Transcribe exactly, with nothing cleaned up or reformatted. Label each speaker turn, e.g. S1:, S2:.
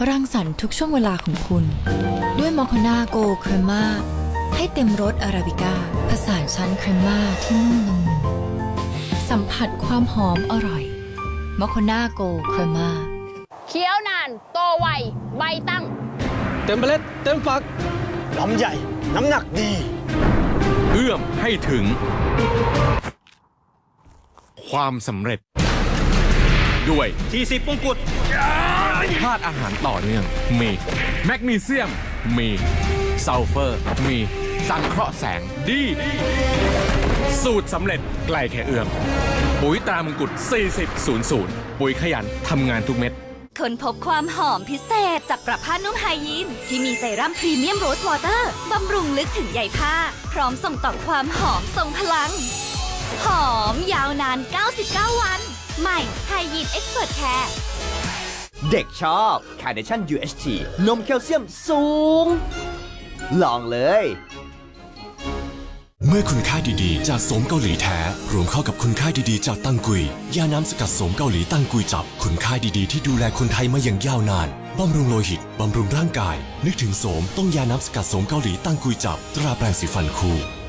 S1: รังสรรค์ทุกช่วงเวลาของคุณ ด้วยมอคนาโกเครม่าให้เต็มรสอาราบิก้าผสานชั้นเครม่าที่นุ่มละมุนสัมผัสความหอมอร่อยมอคนาโกเครม่า
S2: เคี้ยวนานโตไวใบตั้ง
S3: เต็มเมล็ดเต็มฝัก
S4: ลำใหญ่น้ำหนักดี
S5: เอื้อมให้ถึง ความสำเร็จ ด้วย
S4: ที่สิบมงกุฎ
S5: ธาตุอาหารต่อเนื่องมีแมกนีเซียมมีซัลเฟอร์มีสังเคราะห์แสงดี สูตรสำเร็จไกลแค่เอื้อมปุ๋ยตรามงกุฎสี่สิบ ศูนย์ ศูนย์ปุ๋ยขยันทำงานทุกเม็ด
S6: ค้นพบความหอมพิเศษจากประผ้านุ่มไฮยีนที่มีเซรั่มพรีเมียมโรสวอเตอร์บำรุงลึกถึงใยผ้าพร้อมส่งต่อความหอมทรงพลัง หอมยาวนาน เก้าสิบเก้า วัน ใหม่ไฮยีนเอ็กซ์เพรสแคร์
S7: เด็กชอบ Carnation ยู เอช ที นมแคลเซียมสูง ลองเลย
S8: เมื่อคุณค่าดีๆ จากโสมเกาหลีแท้รวมเข้ากับคุณค่าดีๆ จากตั้งกุยยาน้ำสกัดโสมเกาหลีตั้งกุยจับคุณค่าดีๆที่ดูแลคนไทยมาอย่างยาวนานบำรุงโลหิตบำรุงร่างกายนึกถึงโสมต้องยาน้ำสกัดโสมเกาหลีตั้งกุยจับตราแปรงสีฟันคู่